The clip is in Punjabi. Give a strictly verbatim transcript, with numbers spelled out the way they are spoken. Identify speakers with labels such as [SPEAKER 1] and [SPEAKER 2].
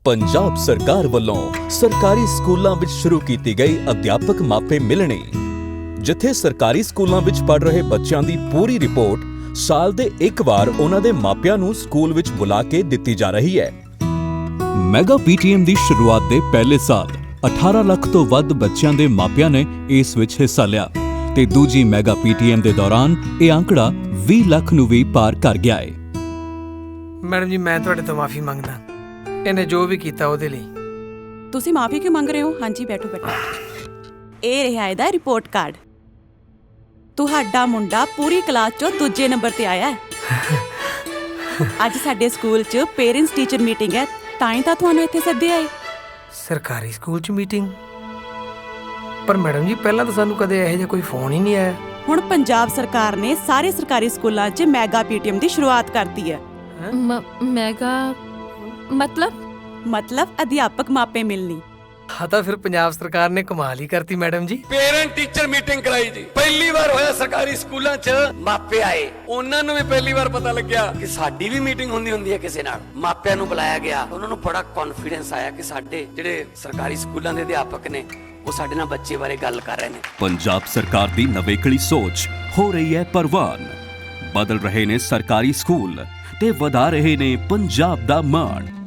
[SPEAKER 1] ਪੰਜਾਬ ਸਰਕਾਰ ਵੱਲੋਂ ਸਰਕਾਰੀ ਸਕੂਲਾਂ ਵਿੱਚ ਸ਼ੁਰੂ ਕੀਤੀ ਗਈ ਅਧਿਆਪਕ ਮਾਪੇ ਮਿਲਣੀ, ਜਿੱਥੇ ਸਰਕਾਰੀ ਸਕੂਲਾਂ ਵਿੱਚ ਪੜ੍ਹ ਰਹੇ ਬੱਚਿਆਂ ਦੀ ਪੂਰੀ ਰਿਪੋਰਟ ਸਾਲ ਦੇ ਇੱਕ ਵਾਰ ਉਹਨਾਂ ਦੇ ਮਾਪਿਆਂ ਨੂੰ ਸਕੂਲ ਵਿੱਚ ਬੁਲਾ ਕੇ ਦਿੱਤੀ ਜਾ ਰਹੀ ਹੈ। ਮੈਗਾ ਪੀਟੀਐਮ ਦੀ ਸ਼ੁਰੂਆਤ ਦੇ ਪਹਿਲੇ ਸਾਲ ਅਠਾਰਾਂ ਲੱਖ ਤੋਂ ਵੱਧ ਬੱਚਿਆਂ ਦੇ ਮਾਪਿਆਂ ਨੇ ਇਸ ਵਿੱਚ ਹਿੱਸਾ ਲਿਆ ਤੇ ਦੂਜੀ ਮੈਗਾ ਪੀਟੀਐਮ ਦੇ ਦੌਰਾਨ ਇਹ ਅੰਕੜਾ ਵੀਹ ਲੱਖ ਨੂੰ ਵੀ ਪਾਰ ਕਰ ਗਿਆ ਹੈ।
[SPEAKER 2] ਮੈਡਮ ਜੀ, ਮੈਂ ਤੁਹਾਡੇ ਤੋਂ ਮਾਫੀ ਮੰਗਦਾ, ਇਹਨੇ ਜੋ ਵੀ ਕੀਤਾ ਉਹਦੇ ਲਈ।
[SPEAKER 3] ਤੁਸੀਂ ਮਾਫੀ ਕਿਉਂ ਮੰਗ ਰਹੇ ਹੋ? ਹਾਂਜੀ, ਬੈਠੋ ਬੈਠੋ। ਇਹ ਰਿਹਾ ਇਹਦਾ ਰਿਪੋਰਟ ਕਾਰਡ। ਤੁਹਾਡਾ ਮੁੰਡਾ ਪੂਰੀ ਕਲਾਸ 'ਚੋਂ ਦੂਜੇ ਨੰਬਰ ਤੇ ਆਇਆ ਹੈ। ਅੱਜ ਸਾਡੇ ਸਕੂਲ 'ਚ ਪੇਰੈਂਟਸ ਟੀਚਰ ਮੀਟਿੰਗ ਹੈ, ਤਾਂ ਹੀ ਤਾਂ ਤੁਹਾਨੂੰ ਇੱਥੇ ਸੱਦਿਆ ਹੈ।
[SPEAKER 2] ਸਰਕਾਰੀ ਸਕੂਲ 'ਚ ਮੀਟਿੰਗ? ਪਰ ਮੈਡਮ ਜੀ, ਪਹਿਲਾਂ ਤਾਂ ਸਾਨੂੰ ਕਦੇ ਇਹੋ ਜਿਹਾ ਕੋਈ ਫੋਨ ਹੀ ਨਹੀਂ ਆਇਆ।
[SPEAKER 3] ਹੁਣ ਪੰਜਾਬ ਸਰਕਾਰ ਨੇ ਸਾਰੇ ਸਰਕਾਰੀ ਸਕੂਲਾਂ 'ਚ ਮੈਗਾ ਪੀਟੀਐਮ ਦੀ ਸ਼ੁਰੂਆਤ ਕਰਤੀ ਹੈ।
[SPEAKER 4] ਮੈਗਾ ਮਤਲਬ
[SPEAKER 3] ਮਤਲਬ ਅਧਿਆਪਕ ਮਾਪੇ ਮਿਲਣੀ।
[SPEAKER 2] ਹਾਂ, ਤਾਂ ਫਿਰ ਪੰਜਾਬ ਸਰਕਾਰ ਨੇ ਕਮਾਲ ਹੀ ਕਰਤੀ ਮੈਡਮ ਜੀ।
[SPEAKER 5] ਪੇਰੈਂਟ ਟੀਚਰ ਮੀਟਿੰਗ ਕਰਾਈ ਜੀ। ਪਹਿਲੀ ਵਾਰ ਹੋਇਆ ਸਰਕਾਰੀ ਸਕੂਲਾਂ 'ਚ ਮਾਪੇ ਆਏ, ਉਹਨਾਂ ਨੂੰ ਵੀ ਪਹਿਲੀ ਵਾਰ ਪਤਾ ਲੱਗਿਆ ਕਿ ਸਾਡੀ ਵੀ ਮੀਟਿੰਗ ਹੁੰਦੀ ਹੁੰਦੀ ਹੈ ਕਿਸੇ ਨਾਲ। ਮਾਪਿਆਂ ਨੂੰ ਬੁਲਾਇਆ ਗਿਆ, ਉਹਨਾਂ ਨੂੰ ਬੜਾ ਕੌਨਫੀਡੈਂਸ ਆਇਆ ਕਿ ਸਾਡੇ ਜਿਹੜੇ ਸਰਕਾਰੀ ਸਕੂਲਾਂ ਦੇ ਅਧਿਆਪਕ ਨੇ ਉਹ ਸਾਡੇ ਨਾਲ ਬੱਚੇ ਬਾਰੇ ਗੱਲ ਕਰ ਰਹੇ ਨੇ।
[SPEAKER 1] ਪੰਜਾਬ ਸਰਕਾਰ ਦੀ ਨਵੇਕਲੀ ਸੋਚ ਹੋ ਰਹੀ ਹੈ ਪ੍ਰਵਾਨ। ਬਦਲ ਰਹੇ ਨੇ ਸਰਕਾਰੀ ਸਕੂਲ ਤੇ ਵਧਾ ਰਹੇ ਨੇ ਪੰਜਾਬ ਦਾ ਮਾਣ।